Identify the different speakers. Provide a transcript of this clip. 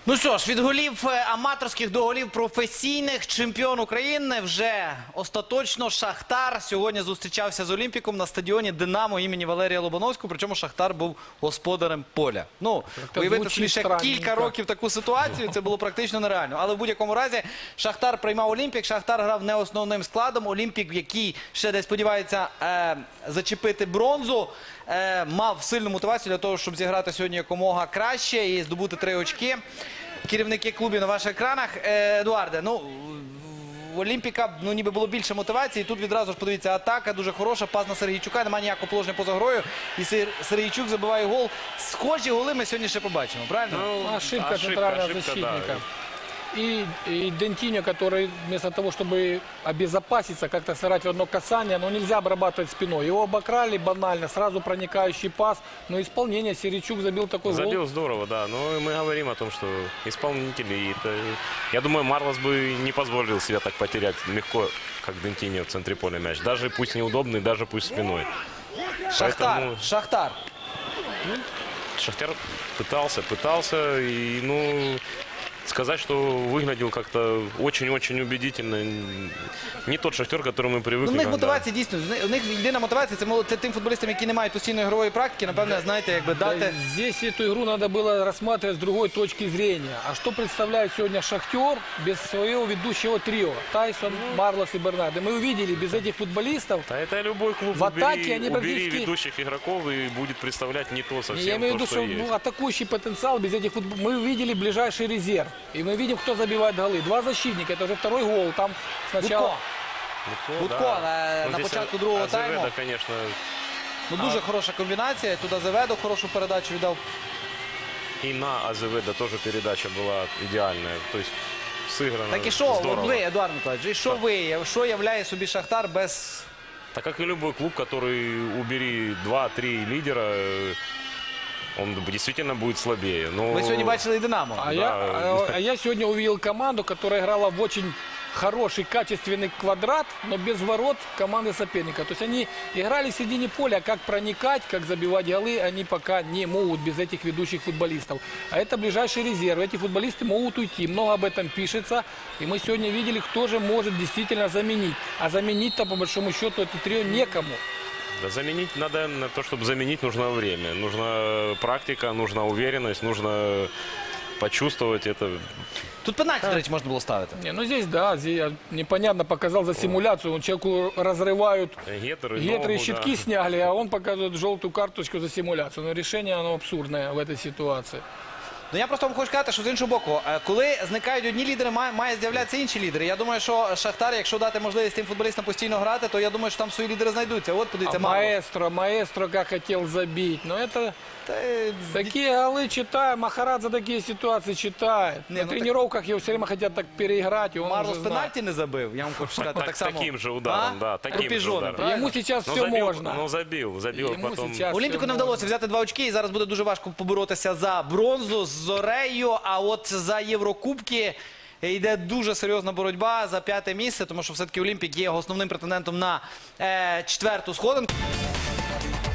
Speaker 1: Ну що ж, від голів аматорських до голів професійних, чемпіон України вже остаточно Шахтар сьогодні зустрічався з Олімпіком на стадіоні Динамо імені Валерія Лобановського, причому Шахтар був господарем поля. Ну, уявити собі ще кілька років таку ситуацію, це було практично нереально. Але в будь-якому разі Шахтар приймав Олімпік, Шахтар грав не основним складом. Олімпік, який ще десь сподівається зачепити бронзу, мав сильну мотивацію для того, щоб зіграти сьогодні якомога краще і здобути 3 очки. Керівники клубів на ваших екранах. Едуарде, ну, в Олімпіка ніби було більше мотивації. Тут відразу ж, подивіться, атака дуже хороша, пас на Сергійчука, немає ніякого положення поза грою. І Сергійчук забиває гол. Схожі голи ми сьогодні ще побачимо, правильно?
Speaker 2: Ну, ошибка центрального защитника. Да. И Дентиньо, который вместо того, чтобы обезопаситься, как-то сыграть в одно касание, но нельзя обрабатывать спиной. Его обокрали банально, сразу проникающий пас. Но исполнение Сергійчук забил такой гол.
Speaker 3: Забил здорово, да. Но мы говорим о том, что исполнители, я думаю, Марлос бы не позволил себя так потерять легко, как Дентиньо в центре поля мяч. Даже пусть неудобный, даже пусть спиной.
Speaker 1: Шахтар,
Speaker 3: Поэтому...
Speaker 1: Шахтар.
Speaker 3: Шахтер пытался, и, ну... Сказать, что выглядел как-то очень-очень убедительно. Не тот Шахтер, к которому мы привыкли.
Speaker 1: У них мотивація дійсно, у них єдина мотивація це тим футболістам, які не мають постійної ігрової практики, напевно, знаєте, якби дати.
Speaker 2: Здесь эту игру надо было рассматривать с другой точки зрения. А что представляет сегодня Шахтер без своего ведущего трио? Тайсон, Марлос и Бернардо. Мы увидели, без этих футболистов
Speaker 3: да это любой клуб.
Speaker 2: В атаке они
Speaker 3: убери ведущих игроков и будет представлять не то совсем.
Speaker 2: Я имею в виду, что атакующий потенциал без этих футболистов. Мы увидели ближайший резерв. И мы видим, кто забивает голы. 2 защитника, это уже 2-й гол. Там сначала...
Speaker 1: Будко
Speaker 3: да.
Speaker 1: на початку другого тайму.
Speaker 3: Да, конечно.
Speaker 1: Ну, дуже хороша комбінація. Туди Азеведо хорошу передачу віддав.
Speaker 3: И на Азеведо тоже передача была идеальная. То есть сыграно
Speaker 1: Так і що,
Speaker 3: здорово.
Speaker 1: ви, Едуард Миколаївич, що являє собі Шахтар без...
Speaker 3: Так как и любой клуб, который убери 2-3 лидера, он действительно будет слабее. Но...
Speaker 1: Ви сьогодні бачили і Динамо.
Speaker 2: А я сегодня увидел команду, которая играла в очень хороший, качественный квадрат, но без ворот команды соперника. То есть они играли в середине поля, как проникать, как забивать голы, они пока не могут без этих ведущих футболистов. А это ближайший резерв. Эти футболисты могут уйти. Много об этом пишется. И мы сегодня видели, кто же может действительно заменить. А заменить-то, по большому счету, это трио некому.
Speaker 3: Да, заменить надо, на то, чтобы заменить, нужно время. Нужна практика, нужна уверенность, нужно почувствовать это.
Speaker 1: Тут пенальти, до речі, можна було ставити.
Speaker 2: Не, ну здесь, да, здесь непонятно показал за симуляцию. Человеку разрывают гетры и щитки, да, сняли, а он показывает желтую карточку за симуляцию. Но решение, оно абсурдное в этой ситуации.
Speaker 1: Ну, я просто вам хочу сказати, що з іншого боку, коли зникають одні лідери, має з'являтися інші лідери. Я думаю, що Шахтар, якщо дати можливість тим футболістам постійно грати, то я думаю, що там свої лідери знайдуться. От, подивіться,
Speaker 2: Маэстро как хотел забить. Но это такие голы читаем. Махарадзе за такие ситуации читает. На тренировках его все время хотят так переиграть.
Speaker 1: Марлос пенальти не забив, я вам хочу сказати. Так само.
Speaker 3: Таким же ударом, да, таким же ударом.
Speaker 2: Ему сейчас все можно.
Speaker 3: Ну, забил, потом.
Speaker 1: Олімпіку не вдалося взяти 2 очки, і зараз буде дуже важко поборотися за бронзу з Зорею, а от за Єврокубки йде дуже серйозна боротьба за 5-те місце, тому що все-таки Олімпік є основним претендентом на 4-ту сходинку.